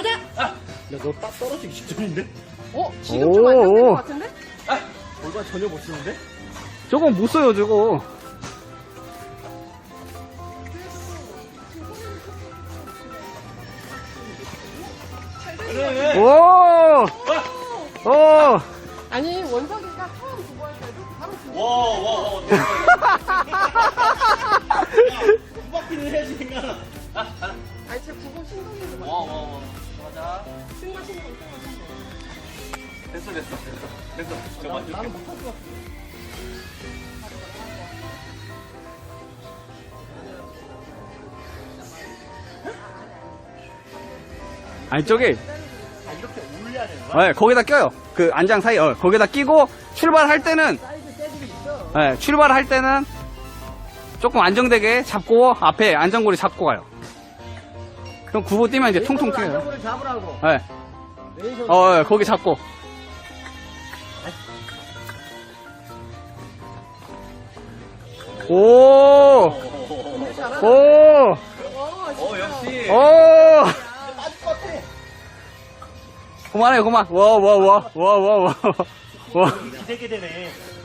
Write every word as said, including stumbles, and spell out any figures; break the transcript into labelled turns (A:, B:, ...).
A: 가자.
B: 야, 너 딱 떨어지기 직전인데?
A: 어? 지금 좀 안정된
C: 오.
A: 것 같은데?
B: 아, 골반 전혀 못 쓰는데?
C: 저거 못 써요, 저거.
B: 그래.
C: 오! 오!
A: 아니 원석이가 처음 두고 할 때도 바로 두고.
B: 와, 와, 와. 두 바퀴는 해야지, 생각.
A: 아니 진짜 구보 신동이도 막.
B: 와, 와, 와. 맞아.
A: 승마 신동, 승마 신동.
B: 됐어, 됐어, 됐어. 됐어. 저
A: 나,
B: 만족해.
A: 나는 못할 것 같아.
C: 아니, 저기,
B: 아, 이렇게 올려야 되는 거야?
C: 네, 거기다 껴요. 그 안장 사이, 어, 거기다 끼고, 출발할 때는,
A: 사이즈 재질이 있어.
C: 네, 출발할 때는 조금 안정되게 잡고, 앞에 안전고리 잡고 가요. 그럼 구보 뛰면 이제 통통 튀어요.
A: 안정을 잡으라고.
C: 네.
A: 왼손.
C: 어, 예, 거기 잡고. 오!
B: 오,
A: 잘하네.
C: 오!
A: 어,
B: 어, 역시.
C: 오!
B: 빠질 것 같아.
C: 그만해, 그만. 와, 와, 와, 와, 와, 와. 와.
B: 기대게 되네.